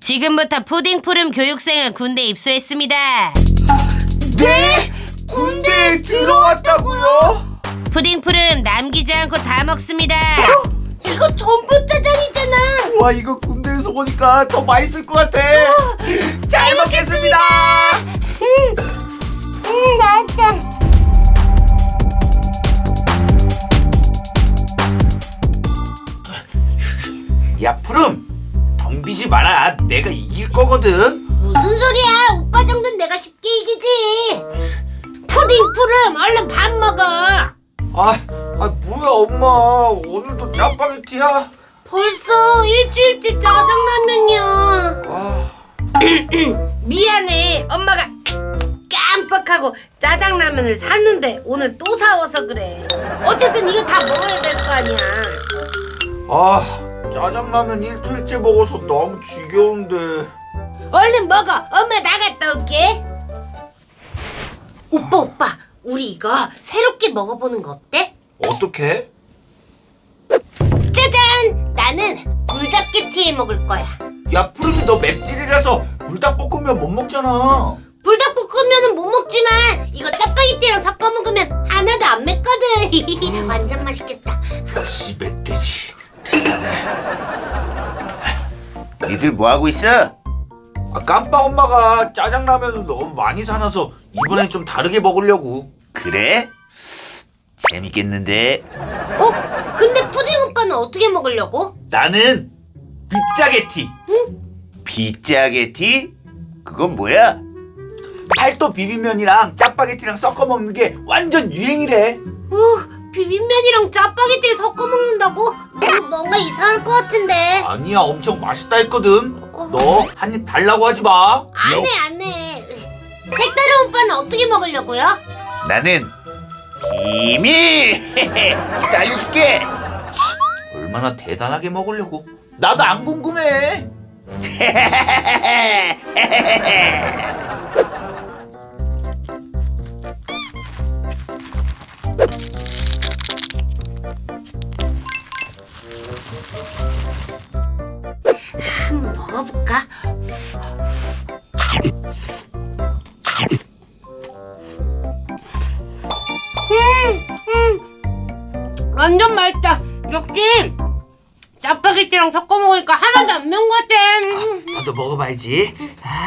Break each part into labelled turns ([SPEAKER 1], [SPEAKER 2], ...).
[SPEAKER 1] 지금부터 푸딩푸름 교육생은 군대 입소했습니다.
[SPEAKER 2] 네? 군대에 들어왔다고요?
[SPEAKER 1] 푸딩푸름 남기지 않고 다 먹습니다.
[SPEAKER 3] 이거 전부 짜장이잖아.
[SPEAKER 2] 와, 이거 군대에서 보니까 더 맛있을 것 같아. 잘 먹겠습니다.
[SPEAKER 3] 맛있다.
[SPEAKER 2] 야, 푸름, 덤비지 마라. 내가 이길 거거든.
[SPEAKER 3] 무슨 소리야? 오빠 정도는 내가 쉽게 이기지. 푸딩푸름 얼른 밥 먹어.
[SPEAKER 2] 뭐야, 엄마. 오늘도 짜파게티야?
[SPEAKER 3] 벌써 일주일째 짜장라면이야.
[SPEAKER 2] 아,
[SPEAKER 3] 미안해. 엄마가 깜빡하고 짜장라면을 샀는데 오늘 또 사와서 그래. 어쨌든 이거 다 먹어야 될 거 아니야.
[SPEAKER 2] 짜장라면 일주일째 먹어서 너무 지겨운데.
[SPEAKER 3] 얼른 먹어. 엄마 나갔다 올게. 오빠 우리 이거 새롭게 먹어보는 거 어때?
[SPEAKER 2] 어떻게?
[SPEAKER 3] 짜잔! 나는 불닭게티에 먹을 거야.
[SPEAKER 2] 야, 푸름이 너 맵찔이라서 불닭볶음면 못 먹잖아.
[SPEAKER 3] 불닭볶음면은 못 먹지만 이거 짜파게티랑 섞어 먹으면 하나도 안 맵거든. 완전 맛있겠다.
[SPEAKER 2] 역시 멧돼지 대단해.
[SPEAKER 4] 니들 뭐하고 있어?
[SPEAKER 2] 깜빡 엄마가 짜장라면을 너무 많이 사놔서 이번엔 좀 다르게 먹으려고.
[SPEAKER 4] 그래? 재밌겠는데?
[SPEAKER 3] 근데 푸딩 오빠는 어떻게 먹으려고?
[SPEAKER 2] 나는 빗짜게티.
[SPEAKER 4] 빗짜게티? 그건 뭐야?
[SPEAKER 2] 팔도 비빔면이랑 짜파게티랑 섞어 먹는 게 완전 유행이래.
[SPEAKER 3] 비빔면이랑 짜파게티를 섞어 먹는다고? 뭔가 이상할 것 같은데.
[SPEAKER 2] 아니야, 엄청 맛있다 했거든. 너 한 입 달라고 하지 마.
[SPEAKER 3] 안 해. 색다른 오빠는 어떻게 먹으려고요?
[SPEAKER 4] 나는 비밀! 이따 알려줄게!
[SPEAKER 2] 얼마나 대단하게 먹으려고. 나도 안 궁금해.
[SPEAKER 3] 한번 먹어볼까? 완전 맛있다. 역시 짜파게티랑 섞어 먹으니까 하나도 안 매운 것 같아.
[SPEAKER 2] 나도 먹어봐야지.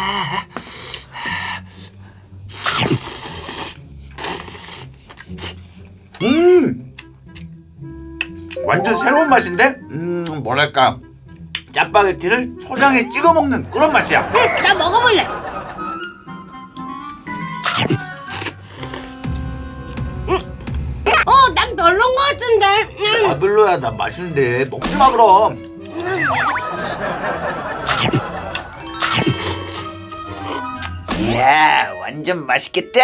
[SPEAKER 2] 완전 새로운 맛인데? 뭐랄까, 짜파게티를 초장에 찍어 먹는 그런 맛이야.
[SPEAKER 3] 나 먹어볼래. 난 별론 것 같은데.
[SPEAKER 2] 별로야. 난 맛있는데 먹지 마 그럼.
[SPEAKER 4] 이야, 완전 맛있겠다!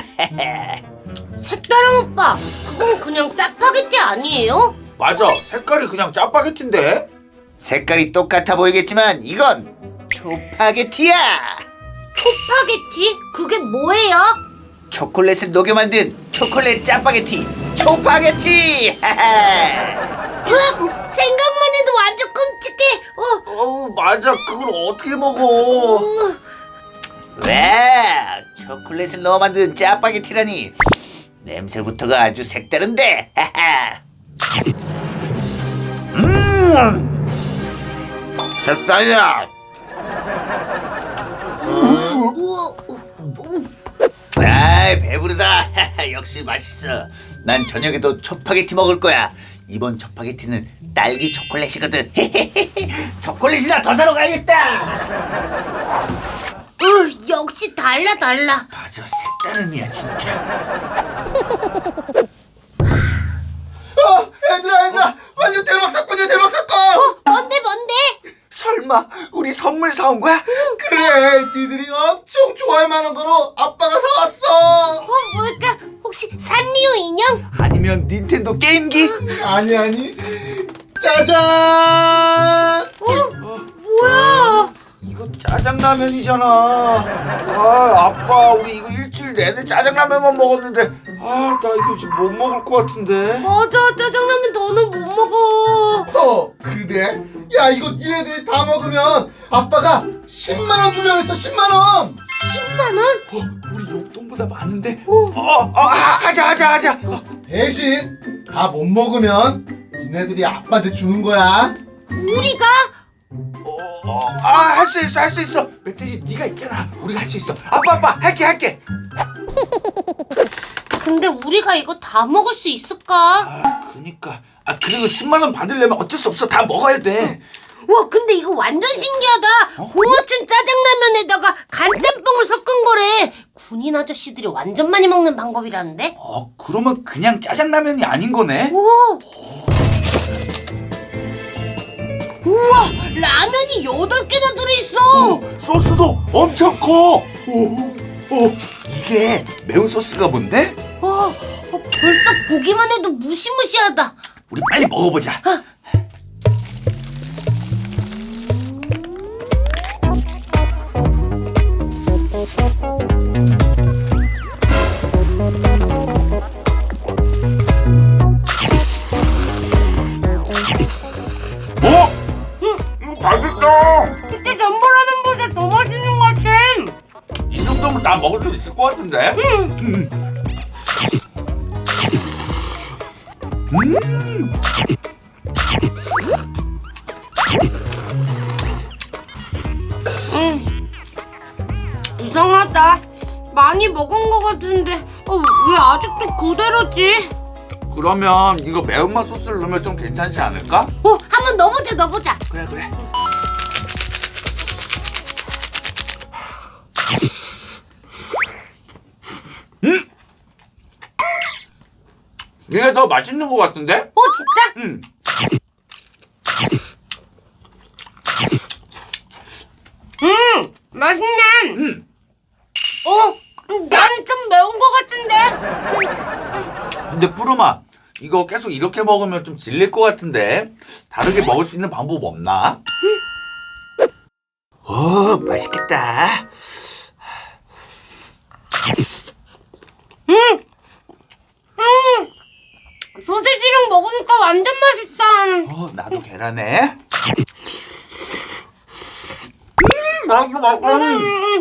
[SPEAKER 3] 색다른 오빠, 그건 그냥 짜파게티 아니에요?
[SPEAKER 2] 맞아, 색깔이 그냥 짜파게티인데.
[SPEAKER 4] 색깔이 똑같아 보이겠지만 이건 초파게티야!
[SPEAKER 3] 초파게티? 그게 뭐예요?
[SPEAKER 4] 초콜릿을 녹여 만든 초콜릿 짜파게티 초파게티!
[SPEAKER 3] 으악! 생각만 해도 완전 끔찍해.
[SPEAKER 2] 맞아. 그걸 어떻게 먹어?
[SPEAKER 4] 와, 초콜릿을 넣어 만든 짜파게티라니 냄새부터가 아주 색다른데. 색달이야. 아이, 배부르다. 역시 맛있어. 난 저녁에도 초파게티 먹을 거야. 이번 초파게티는 딸기 초콜릿이거든. 초콜릿이나 더 사러 가야겠다.
[SPEAKER 3] 역시 달라.
[SPEAKER 4] 맞아, 색다른이야 진짜.
[SPEAKER 2] 얘들아, 완전 대박 사건이야, 대박 사건.
[SPEAKER 3] 뭔데?
[SPEAKER 2] 설마 우리 선물 사온 거야?
[SPEAKER 5] 그래, 니들이 엄청 좋아할 만한 거로 아빠가 사왔어.
[SPEAKER 3] 뭘까? 혹시 산리오 인형?
[SPEAKER 2] 아니면 닌텐도 게임기?
[SPEAKER 5] 아니, 짜잔.
[SPEAKER 3] 뭐야?
[SPEAKER 2] 이거 짜장라면이잖아. 아빠, 우리 이거 일주일 내내 짜장라면만 먹었는데 나 이거 지금 못 먹을 것 같은데.
[SPEAKER 3] 맞아, 짜장라면 더는 못 먹어.
[SPEAKER 5] 그래? 야, 이거 니네들이 다 먹으면 아빠가 10만 원 주려고 했어. 10만 원.
[SPEAKER 3] 10만 원?
[SPEAKER 2] 우리 용돈보다 많은데? 하자.
[SPEAKER 5] 대신 다 못 먹으면 니네들이 아빠한테 주는 거야.
[SPEAKER 3] 우리가?
[SPEAKER 2] 할 수 있어. 멧돼지 네가 있잖아. 우리가 할 수 있어. 아빠, 할게.
[SPEAKER 3] 근데 우리가 이거 다 먹을 수 있을까?
[SPEAKER 2] 그니까. 그리고 10만 원 받으려면 어쩔 수 없어. 다 먹어야 돼.
[SPEAKER 3] 와, 근데 이거 완전 신기하다. 봉어춘 짜장라면에다가 간짬뽕을 섞은 거래. 군인 아저씨들이 완전 많이 먹는 방법이라는데?
[SPEAKER 2] 그러면 그냥 짜장라면이 아닌 거네?
[SPEAKER 3] 오. 우와, 라면이 8개나 들어있어.
[SPEAKER 2] 소스도 엄청 커. 이게 매운 소스가 뭔데?
[SPEAKER 3] 벌써 보기만 해도 무시무시하다.
[SPEAKER 2] 우리 빨리 먹어보자. 맛있어.
[SPEAKER 3] 진짜 전보라면보다 더 맛있는 것 같아.
[SPEAKER 2] 이 정도면 다 먹을 수 있을 것 같은데?
[SPEAKER 3] 이상하다. 많이 먹은 것 같은데 왜 아직도 그대로지?
[SPEAKER 2] 그러면 이거 매운맛 소스를 넣으면 좀 괜찮지 않을까?
[SPEAKER 3] 한번 넣어보자.
[SPEAKER 2] 그래. 이게 더 맛있는 것 같은데?
[SPEAKER 3] 진짜?
[SPEAKER 2] 응.
[SPEAKER 3] 맛있네. 나는 좀 매운 것 같은데.
[SPEAKER 2] 근데 푸르마, 이거 계속 이렇게 먹으면 좀 질릴 것 같은데 다르게 먹을 수 있는 방법 없나? 맛있겠다.
[SPEAKER 3] 소세지랑 먹으니까 완전 맛있다.
[SPEAKER 2] 나도 계란에. 맛있어.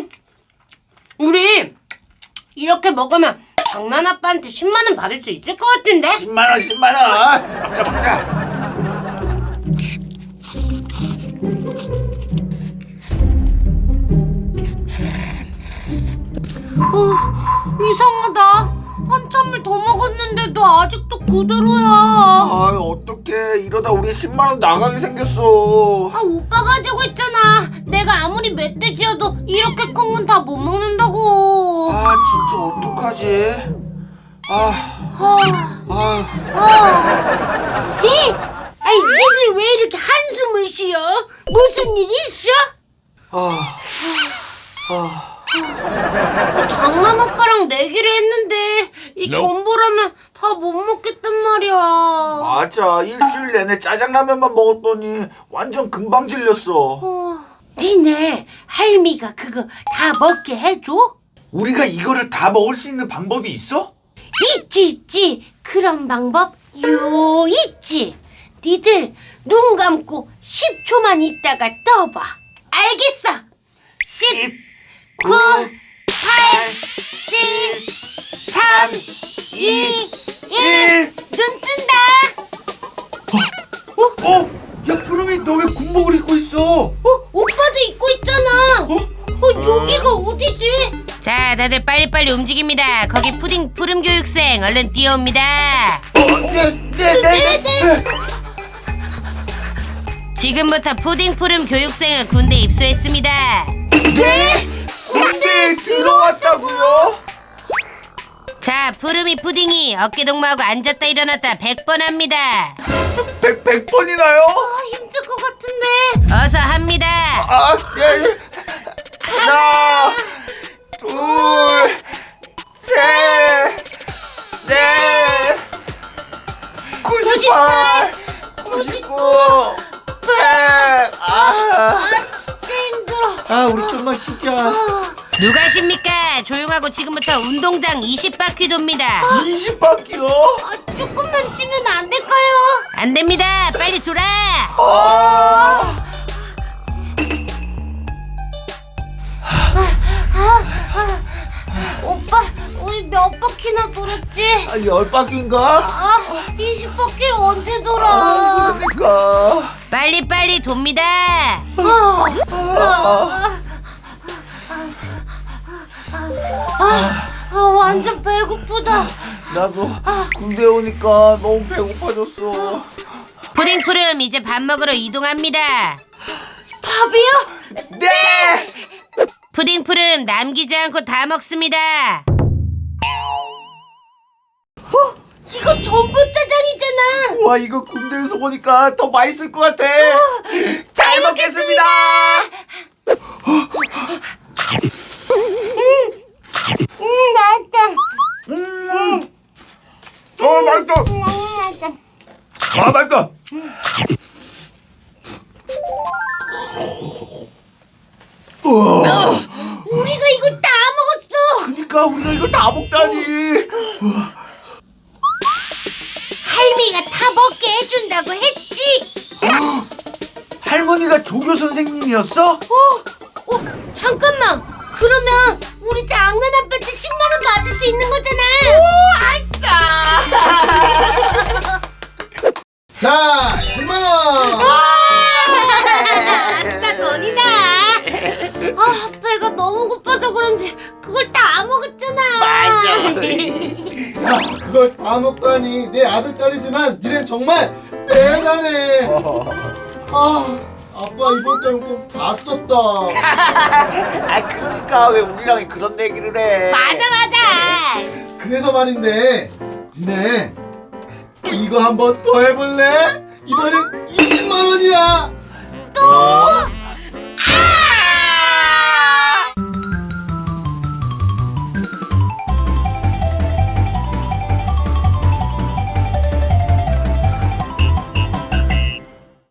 [SPEAKER 3] 우리 이렇게 먹으면 장난 아빠한테 10만 원 받을 수 있을 것 같은데?
[SPEAKER 2] 10만 원. 먹자.
[SPEAKER 3] 이상하다. 한참을 더 먹었는데도 아직도 그대로야.
[SPEAKER 2] 어떡해. 이러다 우리 10만 원 나가게 생겼어.
[SPEAKER 3] 오빠가 가지고 있잖아. 내가 아무리 멧돼지여도 이렇게 큰 건 다 못 먹는다고.
[SPEAKER 2] 진짜 어떡하지?
[SPEAKER 3] 얘들 왜 이렇게 한숨을 쉬어? 무슨 일 있어? 장난 오빠랑 내기를 했는데 이 전보라면 다 못 먹겠단 말이야.
[SPEAKER 2] 맞아. 일주일 내내 짜장라면만 먹었더니 완전 금방 질렸어.
[SPEAKER 3] 니네 할미가 그거 다 먹게 해줘?
[SPEAKER 2] 우리가 이거를 다 먹을 수 있는 방법이 있어?
[SPEAKER 3] 있지. 그런 방법 있지. 니들 눈 감고 10초만 있다가 떠봐. 알겠어.
[SPEAKER 2] 10,
[SPEAKER 3] 9, 8, 7, 3, 2, 1. 눈 뜬다.
[SPEAKER 2] 야, 푸르미, 너 왜 군복을 입고 있어?
[SPEAKER 3] 오빠도 입고 있잖아. 여기가 어디지?
[SPEAKER 1] 자, 다들 빨리빨리 움직입니다. 거기 푸딩 푸름 교육생 얼른 뛰어옵니다.
[SPEAKER 3] 네.
[SPEAKER 1] 지금부터 푸딩 푸름 교육생은 군대 입소했습니다.
[SPEAKER 3] 네?
[SPEAKER 2] 군대에 들어왔다고요?
[SPEAKER 1] 자, 푸름이 푸딩이 어깨 동무하고 앉았다 일어났다 100번 합니다.
[SPEAKER 2] 100번이나요?
[SPEAKER 3] 힘들 것 같은데.
[SPEAKER 1] 어서 합니다.
[SPEAKER 2] 예. 하나, 둘, 셋, 넷, 98, 99, 100.
[SPEAKER 3] 진짜 힘들어.
[SPEAKER 5] 우리 좀만 쉬자.
[SPEAKER 1] 누가 십니까? 조용하고 지금부터 운동장 20바퀴 돕니다.
[SPEAKER 2] 20바퀴요?
[SPEAKER 3] 조금만 치면 안 될까요?
[SPEAKER 1] 안 됩니다. 빨리 돌아.
[SPEAKER 3] 오빠, 우리 몇 바퀴나 돌았지?
[SPEAKER 2] 10바퀴인가?
[SPEAKER 3] 아, 20바퀴를 언제 돌아?
[SPEAKER 2] 그러니까.
[SPEAKER 1] 빨리 돕니다.
[SPEAKER 3] 완전 배고프다.
[SPEAKER 2] 나도 군대 오니까 너무 배고파졌어.
[SPEAKER 1] 푸딩푸름 이제 밥 먹으러 이동합니다.
[SPEAKER 3] 밥이요?
[SPEAKER 2] 네!
[SPEAKER 1] 푸딩푸름 남기지 않고 다 먹습니다.
[SPEAKER 3] 이거 전부 짜장이잖아.
[SPEAKER 2] 와, 이거 군대에서 보니까 더 맛있을 것 같아. 잘 먹겠습니다.
[SPEAKER 3] 맛있다.
[SPEAKER 2] 맛있다. 아, 맛있다.
[SPEAKER 3] 우리가 이거 다 먹었어.
[SPEAKER 2] 그러니까 우리가 이거 다 먹다니.
[SPEAKER 3] 할미가 다 먹게 해준다고 했지.
[SPEAKER 2] 할머니가 조교 선생님이었어?
[SPEAKER 3] 잠깐만. 그러면 우리 장난 아빠한테 10만 원 받을 수 있는 거잖아.
[SPEAKER 5] 자, 10만원!
[SPEAKER 3] 아싸 돈이다. 배가 너무 고파서 그런지 그걸 다 먹었잖아.
[SPEAKER 5] 야, 그걸 다 먹다니 내 아들딸이지만 니넨 정말 대단해. 아빠 이번 달 용돈 다 썼다.
[SPEAKER 2] 아, 그러니까 왜 우리랑 그런 얘기를 해?
[SPEAKER 3] 맞아.
[SPEAKER 5] 그래서 말인데 니네 이거 한번 더 해볼래? 이번엔 20만 원이야.
[SPEAKER 3] 또?